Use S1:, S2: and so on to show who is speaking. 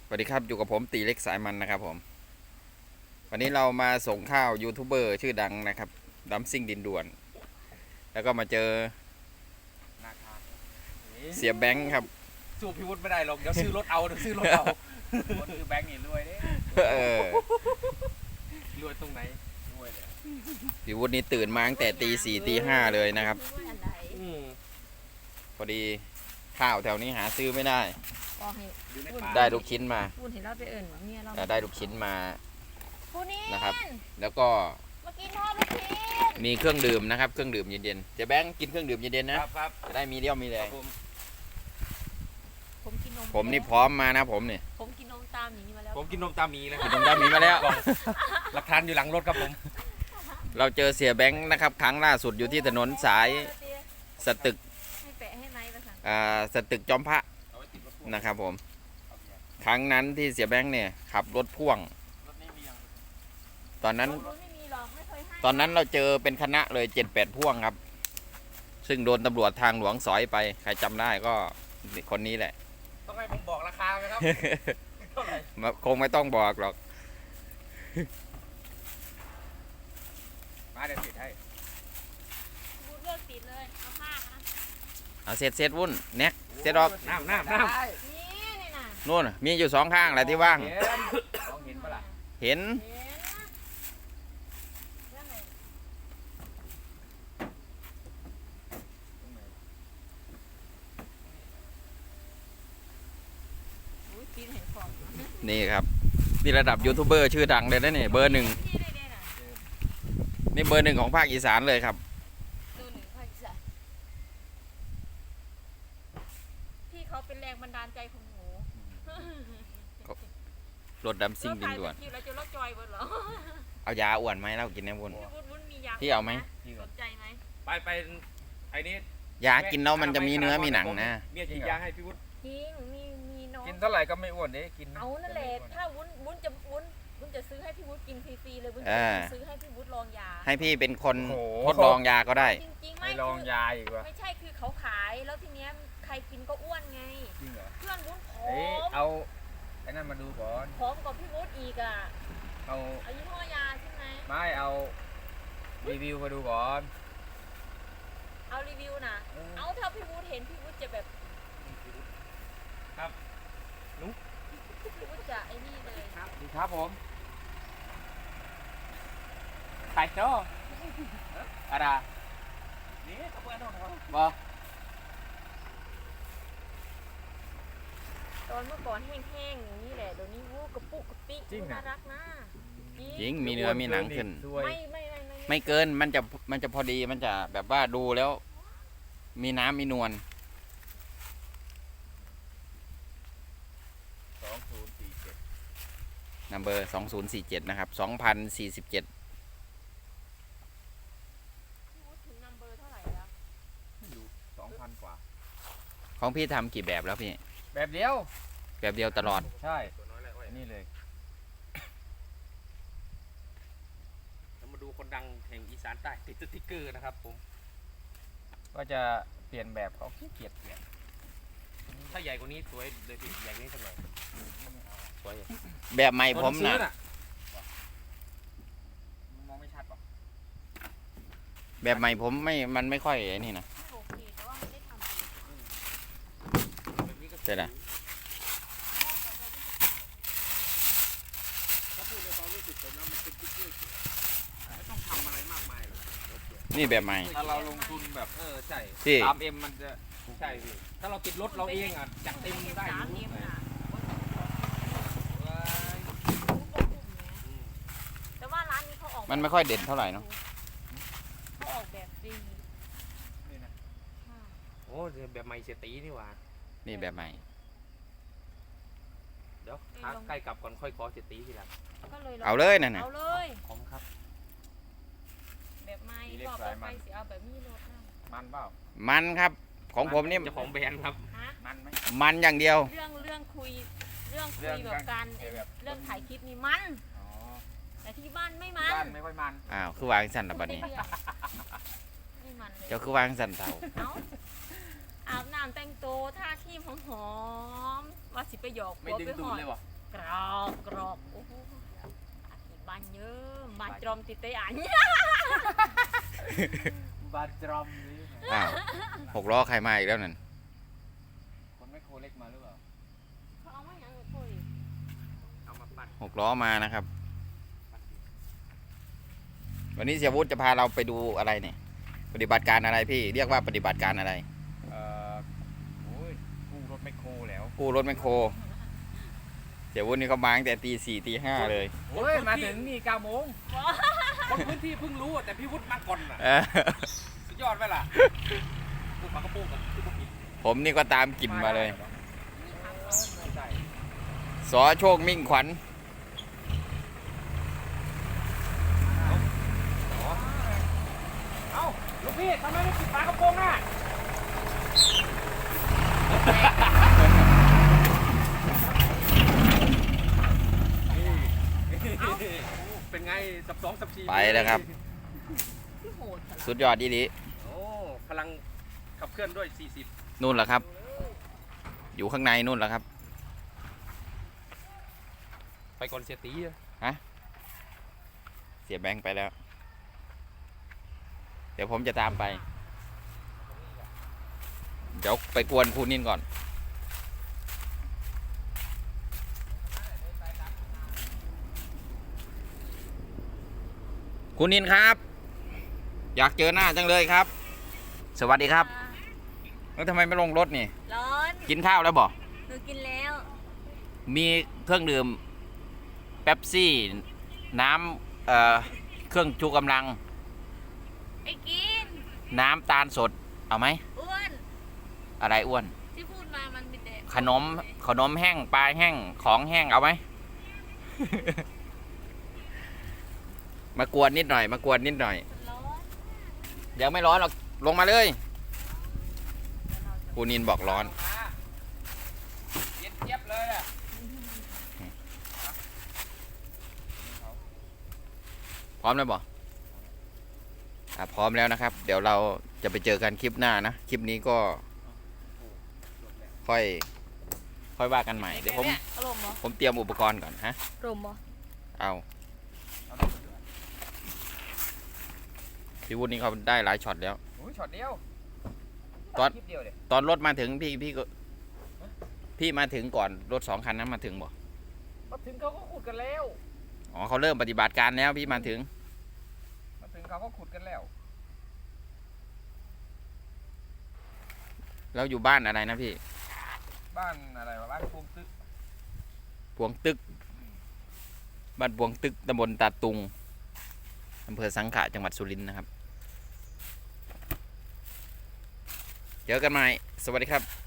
S1: สวัสดีครับอยู่กับผมตีเล็กสายมันนะครับผมวันนี้เรามาส่งข้าวยูทูบเบอร์ชื่อดังนะครับดัมซิ่งดินด่วนแล้วก็มาเจอ
S2: นาคา
S1: เสียแบงค์ครับ
S2: สู้พี่วุฒิไม่ได้หรอกเดี๋ยวซื้อรถเอาซื้อรถเอาคนคือแบงค์นี่รวยเด้รวยตรงไหนรวยเลย
S1: พี่วุฒินี่ตื่นมาตั้งแต่ตี 4ตี 5เลยนะครับพอดีข้าวแถวนี้หาซื้อไม่ได้ได้ลูกชิ้นมาได้ลูกชิ้นมานะครับแล้วก็มีเครื่องดื่มนะครับเครื่องดื่มเย็นๆเจ๊แบงค์กินเครื่องดื่มเย็นๆนะครับจะได้มีเรี่ยวมีแรงผมนี่พร้อมมานะผมเนี่ย
S3: ผมกินนมตามหมีมาแล้ว
S2: ผมกินนมตามีนะ
S1: กินนมตามหมีมาแล้ว
S2: หลักฐานอยู่หลังรถครับผม
S1: เราเจอเสียแบงค์นะครับครั้งล่าสุดอยู่ที่ถนนสายสตึกสตึกจอมพระนะครับผมครั้งนั้นที่เสียแบงค์เนี่ยขับรถพ่วงตอนนั้นเราเจอเป็นคณะเลย7-8พ่วงครับซึ่งโดนตำรวจทางหลวงสอยไปใครจำได้ก็คนนี้แหละ
S2: ต้องให้ผมบอกราคาไหมครับเท่าไหร่
S1: คงไม่ต้องบอกหรอก
S2: มาเดี๋ยวติดให้
S3: เลือกติดเลยเอาผ้า
S1: เอาเสร็จวุ่นเน็กเสร็จออก
S2: น้ำ
S1: นู่นมีอยู่2ข้างแหละที่ว่าง
S2: เห็นปะล่ะ
S1: เห็นนี่ครับนี่ระดับยูทูบเบอร์ชื่อดังเลยนะเนี่ยเบอร์ 1นี่เบอร์ 1ของภาคอีสานเลยครับ
S3: พี่เขาเป็นแรงบันดาลใจของหนู
S1: รถดำซิ่งดินด่วนเอายาอ้วนไหมเรากินแน่บุญพี่เอาไหม
S3: สนใจไหม
S2: ไปไอ้นี่
S1: ยากินแล้วมันจะมีเนื้อมีหนังนะ
S2: เมียกินยาให้พี่วุฒิ
S3: กินมีน้อง
S2: กินเท่าไหร่ก็ไม่อ้วนเด้กิน
S3: เอานั่นแหละถ้าวุ้นจะซื้อให้พี่วุฒิกินฟรีๆเลยวุ้นจะซื้อให้พี่วุฒิลองยา
S1: ให้พี่เป็นคนทดลองยาก็ได้
S3: จริงๆ
S2: ไม่ลองยาอีกวะ
S3: ไม่ใช่คือเขาขายแล้วทีเนี้ยใครกินก็อ้วนไง
S2: จริงเหรอ
S3: เพื่อนวุ้นผอม
S2: เอาไอ้นั่นมาดูก่อน
S3: ผอมกว่าพี่วุฒิอีกอ่ะ
S2: เอา
S3: ยี่ห้อยาใช่ไหม
S2: ไม่เอารีวิวมาดูก่อน
S3: เอารีวิวนะเอาถ้าพี่วุฒิเห็นพี่วุฒิจะแบบ
S2: ครับนุ๊ก
S3: พี่วุฒิจะไอ้นี่เลย
S2: ครับดีครับผมไข่โจ้อะไรนี่ขบวนน้องเขาบอ
S3: ตอนเมื่อก่อนแห้งๆอย่างนี้แหละเดี๋ยวนี้วู้กระปุกกระปิน่ารักนะ
S1: จริงมีเนื้อมีหนังขึ้นไม่เกินมันจะพอดีมันจะแบบว่าดูแล้วมีน้ำมีนวลนัมเบอร์2047นะครับ2047
S2: 2,000 กว่า
S1: ของพี่ทำกี่แบบแล้วพี่
S2: แบบเดียว
S1: ตลอด
S2: ใช่นี่เลยเรามาดูคนดังแห่งอีสานใต้ติดสติ๊กเกอร์นะครับผมก็จะเปลี่ยนแบบเขาขี้เกียจเปลี่ยนถ้าใหญ่กว่านี้สวยเลยพี่ใหญ่กว่านี้สักหน่อยสวย
S1: แบบใหม่ผมนะ
S2: มองไม่ชัดหรอก
S1: แบบใหม่ผมมันไม่ค่อยนี่นะใช่ไหมนี่แบบใหม่
S2: ถ้าเราลงทุนแบบใช่3M มันจะใช่พี่ถ้าเราติดรถเราเองอ่ะจัดเต็มได้
S3: แต่ว่าร้านนี้เขาออก
S1: มันไม่ค่อยเด่นเท่าไหร่เนาะ
S3: เขาออกแบบฟรี
S2: นี่นะโอ้แบบใหม่เสียตีนี่หว่า
S1: นี่แบบใหม่
S2: เดี๋ยวใกล้กลับก่อนค่อยขอเสียตีทีหลัง
S1: เอาเลยนั่นน่ะ
S3: เอาเลย
S2: ผมครับ
S3: แบบใหม่บอกไปสิเอาแบบมีรถ
S2: มันเปล่า
S1: มันครับของผมนี่
S2: เจ้าของแบรนด์ครับ
S1: มันไหมมันอย่างเดียว
S3: เรื่องคุยแบบการเรื่องถ่ายคลิปนี่มันแต่ที่บ้านไม่มัน
S2: ไม่ค่อยมัน
S1: อ้าวคือวางสั่นละบัดนี้เจ้าคือวางสั่นเต่า
S3: อาบน้ำแต่งตัวท่าที่หอมว่าสิไปหยอก
S2: ไม่ดึงดูดเลยวะ
S3: กรอกโอ้โหบ้านเยอะบ้านจอมติดเตอัน
S2: บาดจรอมนี่
S1: อ้าว6 ล้อใครมาอีกแล้วนั่น
S2: คนไม่โคเล็กมาหรือเปล่า
S3: เขาเอามาอย่างนี้คุย
S2: เอามาปั่น
S1: 6 ล้อมานะครับ วันนี้เสียวุฒิจะพาเราไปดูอะไรเนี่ยปฏิบัติการอะไรพี่เรียกว่าปฏิบัติการอะไร
S2: โอ้ยกู้รถแมคโครแล้ว
S1: กู้รถแมคโครเสียวุฒินี่เขามาตั้งแต่ตี 4 ตี 5เลย
S2: โอ้ยมาถึงนี่9 โมงคนพื้นที่เพิ่งรู้แต่พี่วุฒิมาก่อนน่ะ
S1: เออ
S2: สุดยอดไหมล่ะปุ๊บปากกระโปรงกันปุ๊บปิด
S1: ผมนี่ก็ตามกลิ่นมาเลย
S2: ใช่
S1: สอโชคมิ่งขวัญ
S2: เอ้าลูกพี่ทำไมไม่ปิดฝากระโปรงอ่ะเป็นไงสับ2 สับ 4
S1: ไปแล้วครับ
S3: ที่โหดขนาด
S1: สุดยอดดี
S2: โอ้พลังขับเคลื่อนด้วย40
S1: นู่นแหละครับ อยู่ข้างในนู่นแหละครับ
S2: ไปก่อนเสียตีอะ
S1: เสียแบงค์ไปแล้ว เดี๋ยวผมจะตามไป เดี๋ยวไปกวนครูนินก่อน คุณนินครับ อยากเจอหน้าจังเลยครับ สวัสดีครับ แล้วทำไมไม่ลงรถนี่
S3: ร้อน
S1: กินข้าวแล้วบอก
S3: หนูกินแล้ว
S1: มีเครื่องดื่มเป๊ปซี่ น้ำเครื่องชูกำลัง
S3: ไอ้กิน
S1: น้ำตาลสด เอาไหม
S3: อ้วน
S1: อะไรอ้วน
S3: ที่พูดมามันมีแต่
S1: ขนมแห้ง ปลาแห้ง ของแห้ง เอาไหม มากวนนิดหน่อย มากวนนิดหน่อย
S3: ร้อน
S1: เดี๋ยวไม่ร้อนหรอก ลงมาเลยครูนินบอกร้อน
S2: เย็นเจี๊ยบเลยอ่ะ
S1: พร้อมแล้วบอกพร้อมแล้วนะครับ เดี๋ยวเราจะไปเจอกันคลิปหน้านะ คลิปนี้ก็ค่อยว่ากันใหม่ เดี๋ยวผม
S3: อารมณ์เหรอ
S1: ผมเตรียมอุปกรณ์ก่อนฮะ
S3: อารมณ์เหรอ
S1: เอาพี่วุฒินี่เขาได้หลายช็อตแล้ว
S2: โอ้ยช็อตเดียว
S1: ตอน
S2: คลิปเดียวเดี๋ยว
S1: ตอนรถมาถึงพี่มาถึงก่อนรถ2 คันนั้นมาถึงบ่
S2: มาถึงเขาก็ขุดกันแล้ว
S1: อ๋อเขาเริ่มปฏิบัติการแล้วพี่มาถึง
S2: มาถึงเขาก็ขุดกันแล้ว
S1: แล้วอยู่บ้านอะไรนะพี่
S2: บ้านอะไรวะบ้านภูมิตึก
S1: พวงตึก บ้านพวงตึกตำบลตาตุงอำเภอสังขะจังหวัดสุรินทร์นะครับเจอกันใหม่สวัสดีครับ